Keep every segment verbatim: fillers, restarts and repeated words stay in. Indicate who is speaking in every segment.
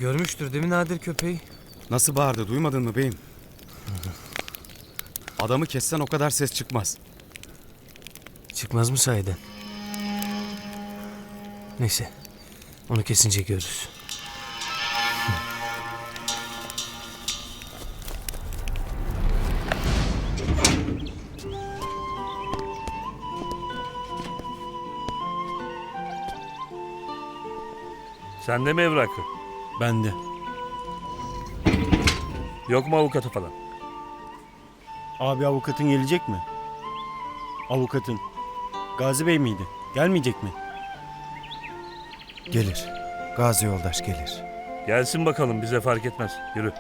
Speaker 1: Görmüştür değil mi Nadir köpeği?
Speaker 2: Nasıl bağırdı, duymadın mı beyim? Adamı kessen o kadar ses çıkmaz.
Speaker 1: Çıkmaz mı sahiden? Neyse. Onu kesince görürüz.
Speaker 3: Sende mi evrakı?
Speaker 4: Bende.
Speaker 3: Yok mu avukatı falan?
Speaker 4: Abi avukatın gelecek mi? Avukatın. Gazi Bey miydi? Gelmeyecek mi?
Speaker 5: Gelir. Gazi yoldaş gelir.
Speaker 3: Gelsin bakalım, bize fark etmez. Yürü.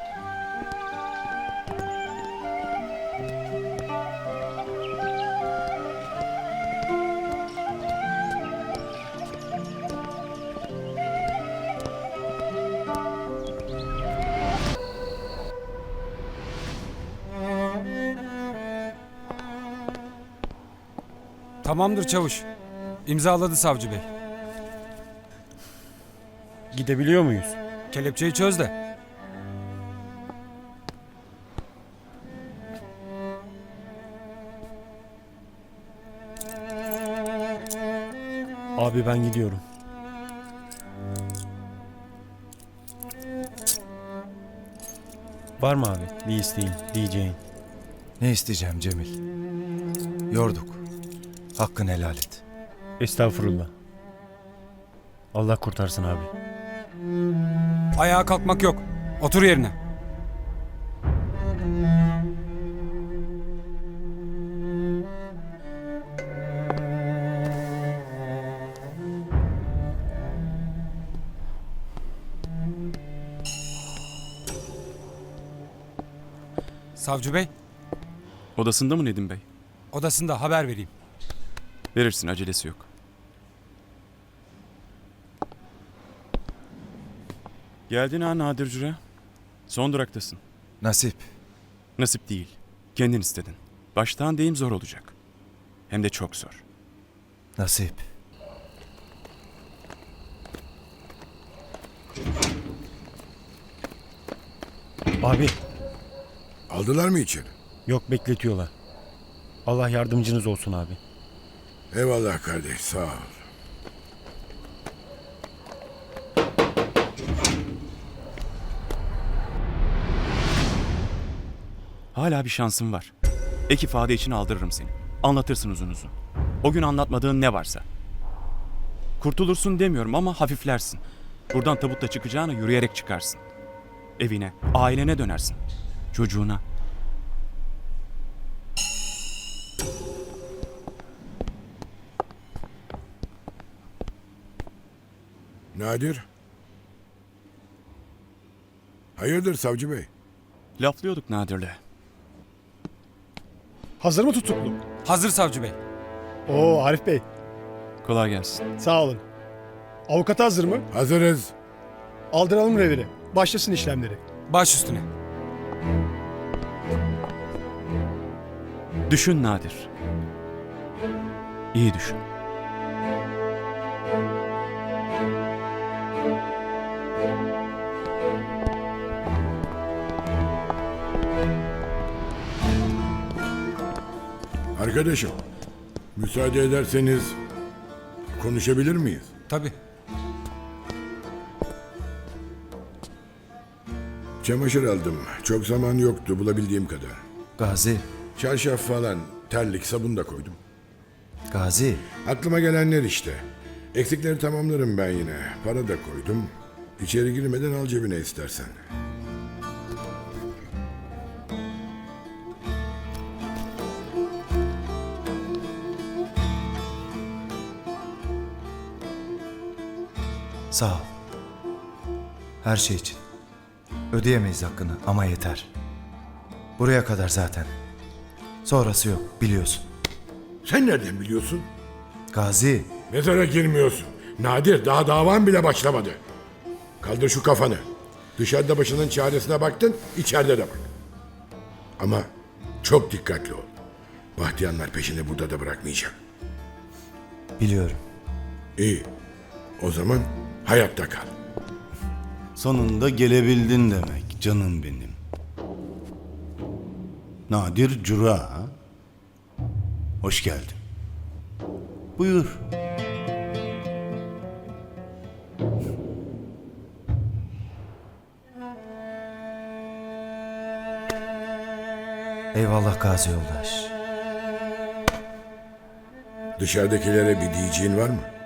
Speaker 6: Tamamdır çavuş. İmzaladı savcı bey.
Speaker 4: Gidebiliyor muyuz?
Speaker 6: Kelepçeyi çöz de.
Speaker 4: Abi ben gidiyorum. Var mı abi bir isteğin, diyeceğin?
Speaker 5: Ne isteyeceğim Cemil? Yorduk. Hakkını helal et.
Speaker 4: Estağfurullah. Allah kurtarsın abi.
Speaker 6: Ayağa kalkmak yok. Otur yerine. Savcı bey,
Speaker 2: Odasında mı Nedim Bey?
Speaker 6: odasında, haber vereyim.
Speaker 2: Verirsin, acelesi yok. Geldin ha Nadir Cüre. Son duraktasın.
Speaker 5: Nasip.
Speaker 2: Nasip değil. Kendin istedin. Baştan deyim zor olacak. Hem de çok zor.
Speaker 5: Nasip.
Speaker 4: Abi
Speaker 7: Aldılar mı içeri?
Speaker 4: yok, bekletiyorlar. Allah yardımcınız olsun abi.
Speaker 7: Eyvallah kardeş, sağ ol.
Speaker 2: Hala bir şansın var. Ek ifade için aldırırım seni. Anlatırsın uzun uzun. O gün anlatmadığın ne varsa. Kurtulursun demiyorum ama hafiflersin. Buradan tabutla çıkacağına yürüyerek çıkarsın. Evine, ailene dönersin. Çocuğuna.
Speaker 7: Nadir? Hayırdır savcı bey?
Speaker 2: Laflıyorduk Nadir'le.
Speaker 8: Hazır mı tutuklu?
Speaker 6: Hazır savcı bey.
Speaker 8: Oo Arif Bey,
Speaker 2: Kolay gelsin.
Speaker 8: sağ olun. Avukat hazır mı?
Speaker 7: Hazırız.
Speaker 8: Aldıralım reviri. Başlasın işlemleri.
Speaker 6: Baş üstüne.
Speaker 2: Düşün Nadir. İyi düşün.
Speaker 7: Arkadaşım, müsaade ederseniz konuşabilir miyiz?
Speaker 6: Tabii.
Speaker 7: Çamaşır aldım. Çok zaman yoktu bulabildiğim kadar.
Speaker 5: Gazi.
Speaker 7: Çarşaf falan, terlik, sabun da koydum.
Speaker 5: Gazi.
Speaker 7: Aklıma gelenler işte. Eksikleri tamamlarım ben yine. Para da koydum. İçeri girmeden al cebine istersen.
Speaker 5: Sağ ol. Her şey için. Ödeyemeyiz hakkını ama yeter. Buraya kadar zaten. Sonrası yok, biliyorsun.
Speaker 7: Sen nereden biliyorsun?
Speaker 5: Gazi.
Speaker 7: Mezara girmiyorsun. Nadir, daha davan bile başlamadı. Kaldır şu kafanı. Dışarıda başının çaresine baktın, içeride de bak. Ama çok dikkatli ol. Bahtiyanlar peşini burada da bırakmayacak.
Speaker 5: Biliyorum.
Speaker 7: İyi. O zaman hayatta kal.
Speaker 9: Sonunda gelebildin demek canım benim. Nadir Cura ha? Hoş geldin. Buyur.
Speaker 5: Eyvallah Gazi yoldaş.
Speaker 7: Dışarıdakilere bir diyeceğin var mı?